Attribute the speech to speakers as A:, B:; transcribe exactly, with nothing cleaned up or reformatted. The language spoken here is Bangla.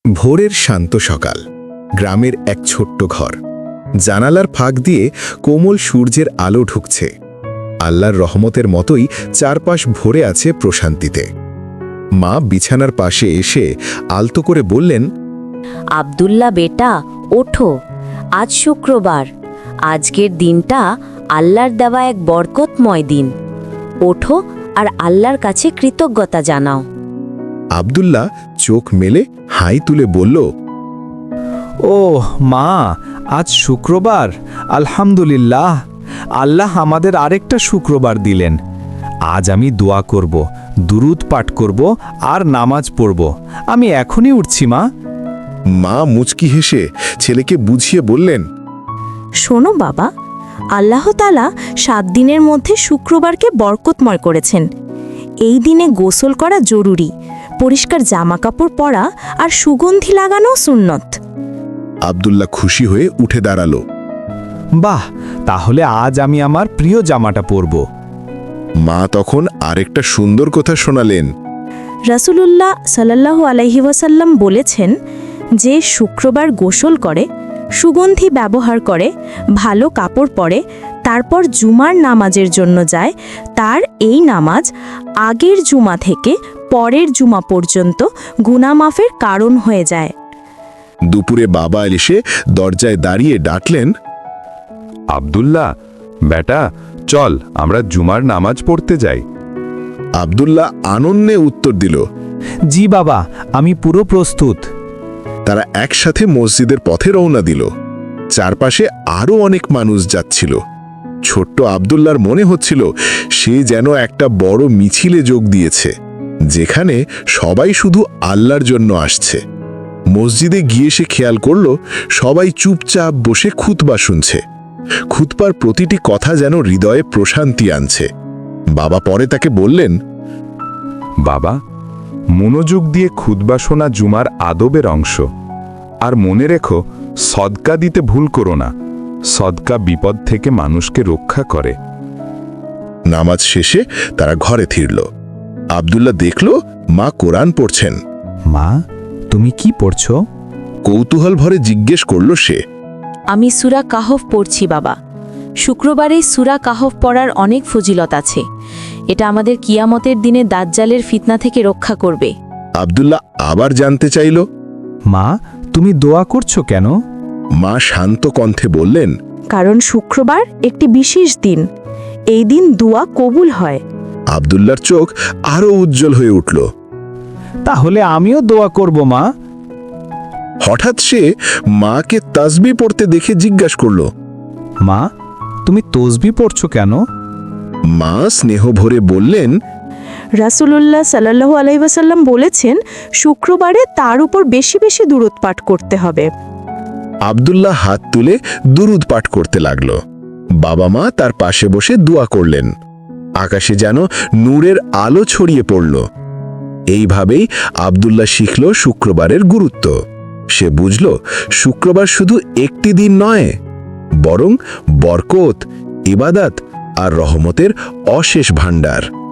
A: ভোরের শান্ত সকাল, গ্রামের এক ছোট্ট ঘর। জানালার ফাঁক দিয়ে কোমল সূর্যের আলো ঢুকছে। আল্লাহর রহমতের মতোই চারপাশ ভরে আছে প্রশান্তিতে। মা বিছানার পাশে এসে আলতো করে বললেন,
B: আব্দুল্লাহ বেটা, ওঠো, আজ শুক্রবার। আজকের দিনটা আল্লাহর দেওয়া এক বরকতময় দিন। ওঠো আর আল্লাহর কাছে কৃতজ্ঞতা জানাও।
A: আব্দুল্লাহ চোখ মেলে হাই তুলে বলল,
C: ও মা, আজ শুক্রবার। আলহামদুলিল্লাহ, আল্লাহ আমাদের আরেকটা শুক্রবার দিলেন। আজ আমি দোয়া করব, দুরুদ পাঠ করব আর নামাজ পড়ব। আমি এখনই উঠছি মা।
A: মা মুচকি হেসে ছেলেকে বুঝিয়ে বললেন,
D: শোনো বাবা, আল্লাহ তাআলা সাত দিনের মধ্যে শুক্রবারকে বরকতময় করেছেন। এই দিনে গোসল করা জরুরি, পরিষ্কার জামাকাপড় পরা আর সুগন্ধি লাগানো সুন্নত।
A: আব্দুল্লাহ খুশি হয়ে উঠে দাঁড়ালো।
C: বাহ, তাহলে আজ আমি আমার প্রিয় জামাটা পরব।
A: মা তখন আরেকটা সুন্দর কথা শোনালেন।
D: রাসূলুল্লাহ সাল্লাল্লাহু আলাইহি ওয়াসাল্লাম বলেছেন, যে শুক্রবার গোসল করে, সুগন্ধি ব্যবহার করে, ভালো কাপড় পরে, তারপর জুমার নামাজের জন্য যায়, তার এই নামাজ আগের জুমা থেকে পরের জুমা পর্যন্ত গুনাহ মাফের কারণ হয়ে যায়।
A: দুপুরে বাবা এসে দরজায় দাঁড়িয়ে ডাকলেন,
E: আব্দুল্লাহ বেটা, চল আমরা জুমার নামাজ পড়তে যাই।
A: আব্দুল্লাহ আনন্দে উত্তর দিল,
C: জি বাবা, আমি পুরো প্রস্তুত।
A: তারা একসাথে মসজিদের পথে রওনা দিল। চারপাশে আরও অনেক মানুষ যাচ্ছিল। ছোট্ট আব্দুল্লাহর মনে হচ্ছিল সে যেন একটা বড় মিছিলে যোগ দিয়েছে, যেখানে সবাই শুধু আল্লাহর জন্য আসছে। মসজিদে গিয়ে সে খেয়াল করল সবাই চুপচাপ বসে খুতবা শুনছে। খুতবার প্রতিটি কথা যেন হৃদয়ে প্রশান্তি আনছে। বাবা পরে তাকে বললেন,
E: বাবা, মনোযোগ দিয়ে খুতবা শোনা জুমার আদবের অংশ। আর মনে রেখো, সদকা দিতে ভুল করো না। সদকা বিপদ থেকে মানুষকে রক্ষা করে।
A: নামাজ শেষে তারা ঘরে ফিরল। আব্দুল্লাহ দেখল মা কোরআন পড়ছেন।
C: মা, তুমি কি পড়ছো?
A: কৌতূহল ভরে জিজ্ঞেস করল সে।
D: আমি সূরা কাহফ পড়ছি বাবা। শুক্রবারে সূরা কাহফ পড়ার অনেক ফজিলত আছে। এটা আমাদের কিয়ামতের দিনে দাজ্জালের ফিতনা থেকে রক্ষা করবে।
A: আব্দুল্লাহ আবার জানতে চাইল,
C: মা, তুমি দোয়া করছো কেন?
A: মা শান্ত কণ্ঠে বললেন,
D: কারণ শুক্রবার একটি বিশেষ দিন। এই দিন দোয়া কবুল হয়।
A: আব্দুল্লাহর চোখ আরো উজ্জ্বল হয়ে উঠল।
C: তাহলে আমিও দোয়া করব মা।
A: হঠাৎ সে মাকে তাসবিহ পড়তে দেখে জিজ্ঞাসা করল,
C: মা, তুমি তসবিহ পড়ছো কেন?
A: মা স্নেহ ভরে বললেন,
D: রাসূলুল্লাহ সাল্লাল্লাহু আলাইহি ওয়াসাল্লাম বলেছেন, শুক্রবারে তার উপর বেশি বেশি দুরূদ পাঠ করতে হবে।
A: আব্দুল্লাহ হাত তুলে দুরুদ পাঠ করতে লাগল। বাবা মা তার পাশে বসে দোয়া করলেন। আকাশে যেন নূরের আলো ছড়িয়ে পড়ল। এইভাবেই আব্দুল্লাহ শিখল শুক্রবারের গুরুত্ব। সে বুঝল শুক্রবার শুধু একটি দিন নয়, বরং বরকত, ইবাদত আর রহমতের অশেষ ভাণ্ডার।